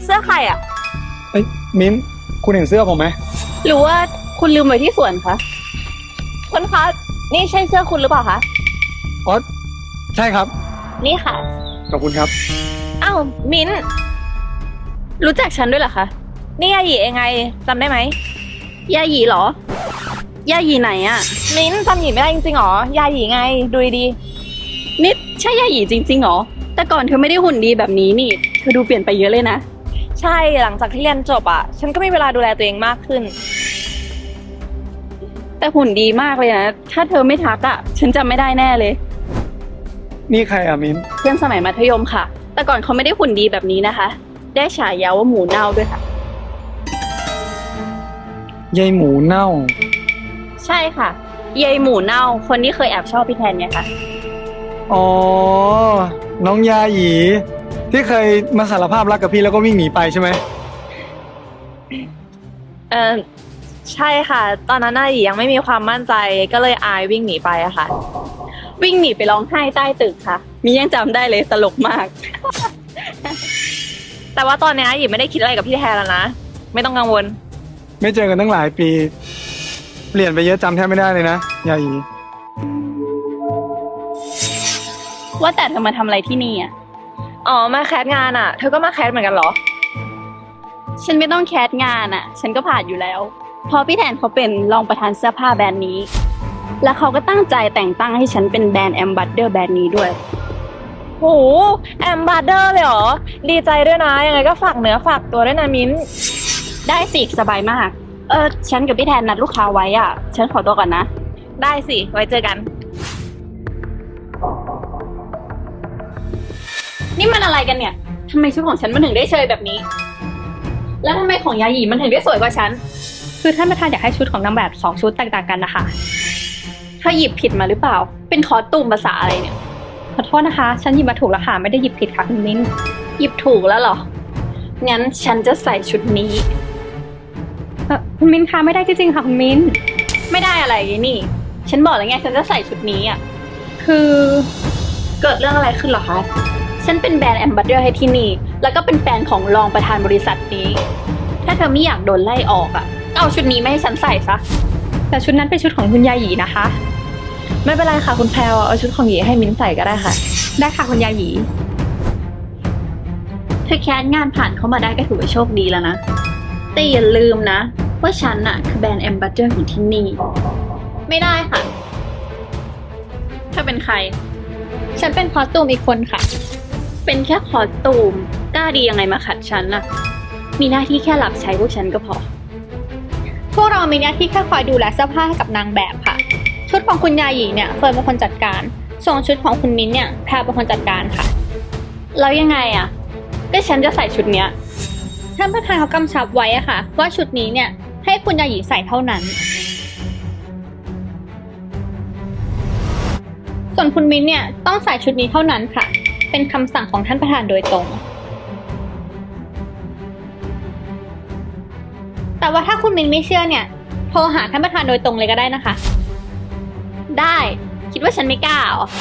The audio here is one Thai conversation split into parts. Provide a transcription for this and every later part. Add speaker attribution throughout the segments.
Speaker 1: เสื้อใครอ่ะ
Speaker 2: เอ้ยมิ้นคุณเห็นเสื้อผมไหม
Speaker 1: หรือว่าคุณลืมไว้ที่สวนคะคุณคะนี่ใช่เสื้อคุณหรือเปล่าคะ
Speaker 2: อ๋อใช่ครับ
Speaker 1: นี่ค่ะ
Speaker 2: ขอบคุณครับ
Speaker 1: อ้าวมิ้นรู้จักฉันด้วยเหรอคะนี่ยาหยีเองไงจำได้ไหมยาหยีเหรอยาหยีไหนอะมิ้นจำหยีไม่ได้จริงๆหรอยาหยีไงดูดีๆนี่ใช่ยาหยีจริงๆหรอแต่ก่อนเธอไม่ได้หุ่นดีแบบนี้นี่เธอดูเปลี่ยนไปเยอะเลยนะใช่หลังจากที่เรียนจบอ่ะฉันก็มีเวลาดูแลตัวเองมากขึ้นแต่หุ่นดีมากเลยนะถ้าเธอไม่ทักอ่ะฉันจำไม่ได้แน่เลย
Speaker 2: นี่ใครอ่ะมิ้น
Speaker 1: เพื่อนสมัยมัธยมค่ะ แต่ก่อนเขาไม่ได้หุ่นดีแบบนี้นะคะ ได้ฉายาว่าหมูเน่าด้วยค่ะ
Speaker 2: ยายหมูเน่า
Speaker 1: ใช่ค่ะยายหมูเน่าคนที่เคยแอบชอบพี่แทนไงคะ
Speaker 2: อ๋อน้องยาหยีที่เคยมาสารภาพรักกับพี่แล้วก็วิ่งหนีไปใช่ไหม
Speaker 1: เออใช่ค่ะ ตอนนั้นน่ะหยียังไม่มีความมั่นใจก็เลยอายวิ่งหนีไปอะค่ะวิ่งหนีไปร้องไห้ใต้ตึกค่ะมียังจำได้เลยตลกมาก แต่ว่าตอนนี้หยีไม่ได้คิดอะไรกับพี่แทนแล้วนะไม่ต้องกังวล
Speaker 2: ไม่เจอกันตั้งหลายปีเปลี่ยนไปเยอะจำแทบไม่ได้เลยนะยาหยี
Speaker 1: ว่าแต่เธอมาทำอะไรที่นี่อ่ะอ๋อมาแคสงานอ่ะเธอก็มาแคสเหมือนกันเหรอฉันไม่ต้องแคสงานอ่ะฉันก็ผ่านอยู่แล้วเพราะพี่แทนเขาเป็นรองประธานเสื้อผ้าแบรนด์นี้แล้วเขาก็ตั้งใจแต่งตั้งให้ฉันเป็นแบรนด์แอมบาสเดอร์แบรนด์นี้ด้วยโหแอมบาสเดอร์เลยเหรอดีใจด้วยนะยังไงก็ฝากเนื้อฝากตัวด้วยนะมิ้นได้สิสบายมากฉันกับพี่แทนนัดลูกค้าไว้อ่ะฉันขอตัวก่อนนะได้สิไว้เจอกันนี่มันอะไรกันเนี่ยทำไมชุดของฉันมันถึงได้เชยแบบนี้แล้วทำไมของยาหยีมันถึงได้สวยกว่าฉัน
Speaker 3: คือท่านประธานอยากให้ชุดของนางแบบ2ชุดแตกต่างกันนะคะ
Speaker 1: เธอหยิบผิดมาหรือเปล่าเป็นคอสตูมภาษาอะไรเนี่ย
Speaker 3: ขอโทษนะคะฉันหยิบมาถูกแล้วค่ะไม่ได้หยิบผิดค่ะคุณมิ้น
Speaker 1: หยิบถูกแล้วเหรองั้นฉันจะใส่ชุดนี้
Speaker 3: คุณมิ้นคะไม่ได้จริงๆค่ะคุณมิ้น
Speaker 1: ไม่ได้อะไรนี่ฉันบอกแล้วไงฉันจะใส่ชุดนี้อ่ะ
Speaker 3: คือ
Speaker 1: เกิดเรื่องอะไรขึ้นเหรอคะฉันเป็นแบรนด์แอมบาสเดอร์ให้ที่นี่แล้วก็เป็นแฟนของรองประธานบริษัทนี้ถ้าเธอไม่อยากโดนไล่ออกอ่ะเอาชุดนี้ไม่ให้ฉันใส่ซะ
Speaker 3: แต่ชุดนั้นเป็นชุดของคุณยาหยีนะคะ
Speaker 1: ไม่เป็นไรค่ะคุณแพรวเอาชุดของหยีให้มิ้นใส่ก็ได้ค่ะ
Speaker 3: ได้ค่ะคุณยาหยี
Speaker 1: เธอแคสงานผ่านเข้ามาได้ก็ถือว่าโชคดีแล้วนะแต่อย่าลืมนะว่าฉันน่ะคือแบรนด์แอมบาสเดอร์ของที่นี่ไม่ได้ค่ะเธอเป็นใคร
Speaker 3: ฉันเป็นคอสตูมอีกคนค่ะ
Speaker 1: เป็นแค่คอสตูมกล้าดียังไงมาขัดฉันน่ะมีหน้าที่แค่รับใช้พวกฉันก็พอ
Speaker 3: พวกเรามีหน้าที่แค่คอยดูแลเสื้อผ้าให้กับนางแบบค่ะชุดของคุณยาหยีเนี่ยเฟิร์นเป็นคนจัดการส่วนชุดของคุณมิ้นเนี่ยแพรเป็นคนจัดการค่ะ
Speaker 1: แล้วยังไงอ่ะก็ฉันจะใส่ชุดเนี้ย
Speaker 3: ท่านประธานเขากำชับไว้อะค่ะว่าชุดนี้เนี่ยให้คุณยาหยีใส่เท่านั้นส่วนคุณมิ้นเนี่ยต้องใส่ชุดนี้เท่านั้นค่ะเป็นคำสั่งของท่านประธานโดยตรงแต่ว่าถ้าคุณมิ้นไม่เชื่อเนี่ยโทรหาท่านประธานโดยตรงเลยก็ได้นะคะ
Speaker 1: ได้คิดว่าฉันไม่กล้าเหรอ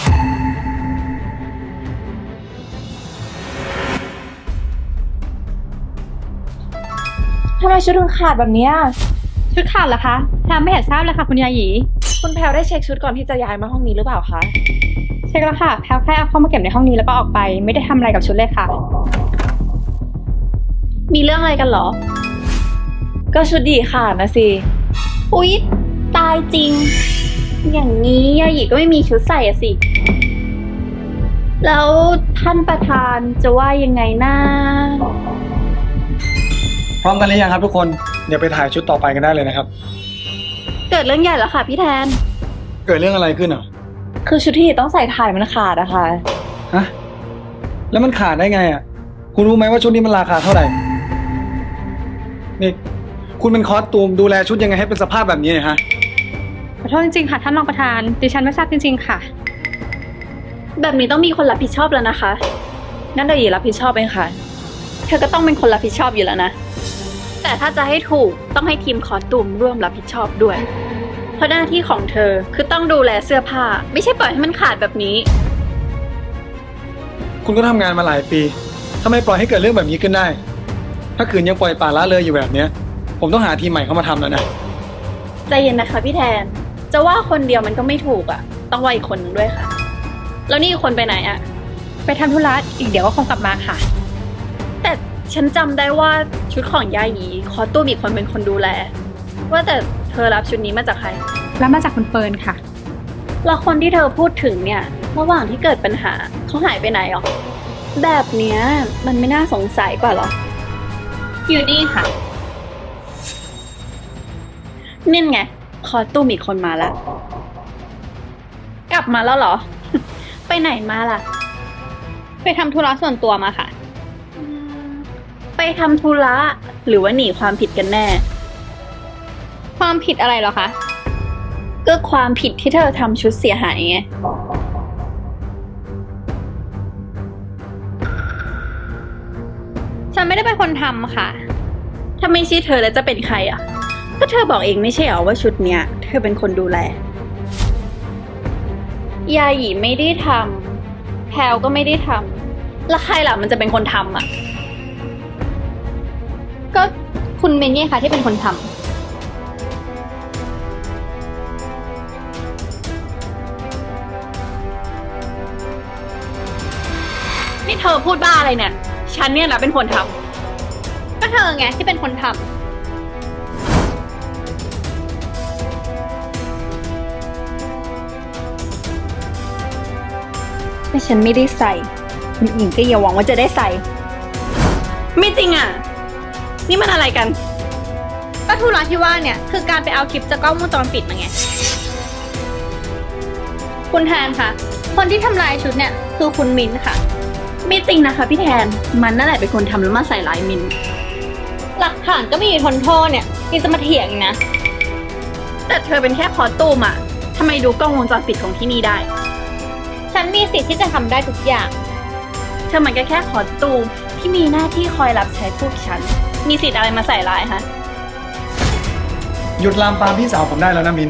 Speaker 1: ทำไมชุดถึงขาดแบบนี้
Speaker 3: ชุดขาดเหรอคะแพรไม่เห็นทราบเลยค่ะคุณยาหยี
Speaker 1: คุณแพรได้เช็คชุดก่อนที่จะย้ายมาห้องนี้หรือเปล่าคะ
Speaker 3: เช็คแล้วค่ะแพรแค่เอาเข้ามาเก็บในห้องนี้แล้วก็ออกไปไม่ได้ทำอะไรกับชุดเลยค่ะ
Speaker 1: มีเรื่องอะไรกันเหรอก็ชุดหยีขาดนะสิอุ๊ยตายจริงอย่างนี้ยาหยีก็ไม่มีชุดใส่อะสิแล้วท่านประธานจะว่ายังไงนะ
Speaker 2: พร้อมกันหรือยังครับทุกคนเดี๋ยวไปถ่ายชุดต่อไปกันได้เลยนะครับ
Speaker 1: เกิดเรื่องใหญ่แล้วค่ะพี่แทน
Speaker 2: เกิดเรื่องอะไรขึ้นอ่ะ
Speaker 1: คือชุดที่ต้องใส่ถ่ายมันขาดอะค่ะ
Speaker 2: ฮะแล้วมันขาดได้ไงอ่ะคุณรู้ไหมว่าชุดนี้มันราคาเท่าไหร่นี่คุณเป็นคอสตูมดูแลชุดยังไงให้เป็นสภาพแบบนี้เนี่ยฮะ
Speaker 3: ขอโทษจริงๆค่ะท่านรองประธานดิฉันไม่ทราบจริงๆค่ะ
Speaker 1: แบบนี้ต้องมีคนรับผิดชอบแล้วนะคะงั้นเดี๋ยวหยีรับผิดชอบเองค่ะเธอก็ต้องเป็นคนรับผิดชอบอยู่แล้วนะแต่ถ้าจะให้ถูกต้องให้ทีมคอสตูมร่วมรับผิดชอบด้วยเพราะหน้าที่ของเธอคือต้องดูแลเสื้อผ้าไม่ใช่ปล่อยให้มันขาดแบบนี้
Speaker 2: คุณก็ทำงานมาหลายปีทำไมปล่อยให้เกิดเรื่องแบบนี้ขึ้นได้ถ้าคืนยังปล่อยปละละเลยอยู่แบบเนี้ย ผมต้องหาทีมใหม่เข้ามาทำแล้วนะ
Speaker 1: ใจเย็นนะคะพี่แทน จะว่าคนเดียวมันก็ไม่ถูกอ่ะ ต้องว่าอีกคนนึงด้วยค่ะ แล้วนี่อีกคนไปไหนอ่ะ
Speaker 3: ไปทำธุระอีกเดี๋ยวก็คงกลับมาค่ะ
Speaker 1: แต่ฉันจำได้ว่าชุดของยาหยีคอตู้มอีกคนเป็นคนดูแล ว่าแต่เธอรับชุดนี้มาจากใคร
Speaker 3: แล้วมาจากคุณเฟิร์นค่ะ
Speaker 1: แล้วคนที่เธอพูดถึงเนี่ย ระหว่างที่เกิดปัญหาเขาหายไปไหนหรอ แบบเนี้ยมันไม่น่าสงสัยกว่าหรอ
Speaker 3: อยู่นี่ค่ะ
Speaker 1: นี่ไงคอตู้มอีกคนมาแล้ว กลับมาแล้วเหรอ ไปไหนมาล่ะ
Speaker 3: ไปทำธุระส่วนตัวมาค่ะ
Speaker 1: ไปทำธุระหรือว่าหนีความผิดกันแน่
Speaker 3: ความผิดอะไรเหรอคะ
Speaker 1: ก็ความผิดที่เธอทำชุดเสียหายไง
Speaker 3: ฉันไม่ได้เป็นคนทำค่ะ
Speaker 1: ถ้าไม่ใช่เธอแล้วจะเป็นใครอ่ะ ก็เธอบอกเองไม่ใช่เหรอว่าชุดเนี้ยเธอเป็นคนดูแล ยาหยีไม่ได้ทำแพลวก็ไม่ได้ทำแล้วใครล่ะมันจะเป็นคนทำอ่ะ
Speaker 3: ก็คุณเมนนี่ค่ะที่เป็นคนทำ
Speaker 1: นี่เธอพูดบ้าอะไรเนี่ย ฉันเนี่ยนะเป็นคนทำ
Speaker 3: ก็เธอไงที่เป็นคนทำ
Speaker 1: แต่ฉันไม่ได้ใส่คนอื่นก็อย่าหวังว่าจะได้ใส่ ไม่จริงอ่ะ นี่มันอะไรกัน
Speaker 3: ก็ธุระที่ว่าเนี่ยคือการไปเอาคลิปจากกล้องวงจรปิดมาไง คุณแทนคะคนที่ทำลายชุดเนี่ยคือคุณมิ้นท์ค่ะ
Speaker 1: ไม่จริงนะคะพี่แทน มันนั่นแหละเป็นคนทำแล้วมาใส่ร้ายมิน
Speaker 3: หลักฐานก็มีอยู่ทนโทษเนี่ยยังจะมาเถียงอีกนะ
Speaker 1: แต่เธอเป็นแค่คอสตูมอ่ะทำไมดูกล้องวงจรปิดของที่นี่ได้
Speaker 3: ฉันมีสิทธิ์ที่จะทำได้ทุกอย่าง
Speaker 1: เธอมันก็แค่คอสตูมที่มีหน้าที่คอยรับใช้พวกฉัน มีสิทธิ์อะไรมาใส่ร้ายฮะ
Speaker 2: หยุดลามปามพี่สาวผมได้แล้วนะมิ้น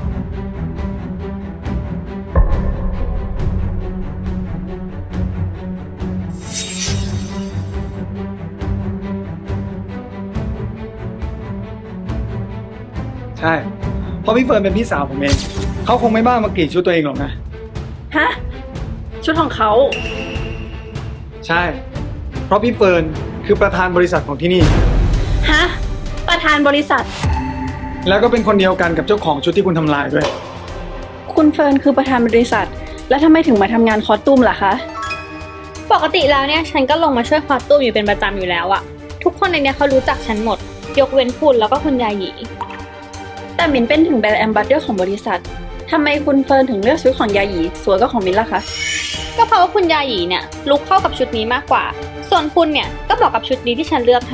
Speaker 2: ใช่ เพราะพี่เฟิร์นเป็นพี่สาวผมเอง เขาคงไม่บ้ามากรีดชุดตัวเองหรอกนะ
Speaker 1: ฮะ ชุดของเขา
Speaker 2: ใช่ เพราะพี่เฟิร์นคือประธานบริษัทของที่นี่
Speaker 1: ฮะ ประธานบริษัท
Speaker 2: แล้วก็เป็นคนเดียวกันกับเจ้าของชุดที่คุณทำลายด้วย
Speaker 1: คุณเฟิร์นคือประธานบริษัท แล้วทำไมถึงมาทำงานคอสตูมล่ะคะ
Speaker 3: ปกติแล้วเนี่ยฉันก็ลงมาช่วยคอสตูมอยู่เป็นประจำอยู่แล้วอะทุกคนในเนี้ยเขารู้จักฉันหมด ยกเว้นคุณแล้วก็คุณยาหยี
Speaker 1: แต่มินเป็นถึงแบรนด์แอมบาสเดอร์ของบริษัททำไมคุณเฟิร์นถึงเลือกชุดของยาหยีสวยกว่าของมินล่ะคะ
Speaker 3: ก็เพราะว่าคุณยาหยีเนี่ยลุคเข้ากับชุดนี้มากกว่า ส่วนคุณเนี่ยก็เหมาะกับชุดนี้ที่ฉันเลือกให้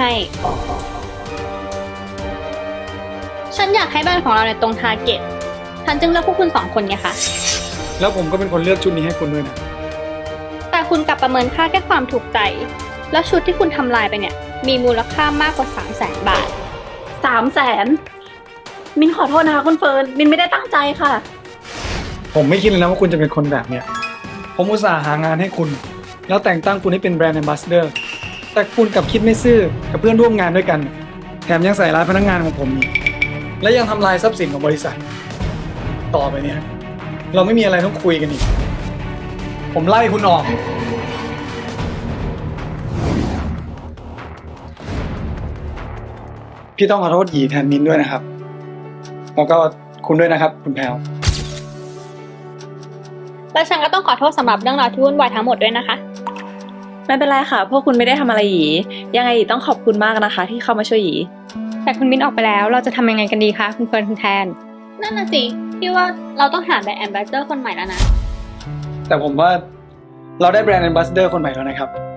Speaker 3: ฉันอยากให้บ้านของเราเนี่ยตรงทาร์เก็ต ฉันจึงเลือกพวกคุณสองคนไงคะ
Speaker 2: แล้วผมก็เป็นคนเลือกชุดนี้ให้คุณด้วยนะ
Speaker 3: แต่คุณกลับประเมินค่าแค่ความถูกใจ แล้วชุดที่คุณทำลายไปเนี่ยมีมูลค่ามากกว่า 300,000 บาท
Speaker 1: 300,000 มินขอโทษนะคะคุณเฟิร์น มินไม่ได้ตั้งใจค่ะ
Speaker 2: ผมไม่คิดเลยนะว่าคุณจะเป็นคนแบบเนี้ย ผมอุตส่าห์หางานให้คุณ แล้วแต่งตั้งคุณให้เป็นแบรนด์แอมบาสเดอร์ แต่คุณกลับคิดไม่ซื่อกับเพื่อนร่วมงานด้วยกัน แถมยังใส่ร้ายพนักงานของผมอีกและยังทำลายทรัพย์สินของบริษัท ต่อไปเนี่ย เราไม่มีอะไรต้องคุยกันอีก ผมไล่คุณออก พี่ต้องขอโทษหยีแทนมิ้นด้วยนะครับ แล้วก็คุณด้วยนะครับ คุณแพลว
Speaker 3: แล้วฉันก็ต้องขอโทษสำหรับเรื่องราวที่วุ่นวายทั้งหมดด้วยนะคะ
Speaker 1: ไม่เป็นไรค่ะ พวกคุณไม่ได้ทำอะไรหยี ยังไงหยีต้องขอบคุณมากนะคะ ที่เข้ามาช่วยหยี
Speaker 3: แต่คุณมิ้นออกไปแล้วเราจะทำยังไงกันดีคะคุณเฟิร์นคุณแทน นั่นน่ะสิพี่ว่าเราต้องหาแบรนด์แอมบาสเดอร์คนใหม่แล้วนะ
Speaker 2: แต่ผมว่าเราได้แบรนด์แอมบาสเดอร์คนใหม่แล้วนะครับ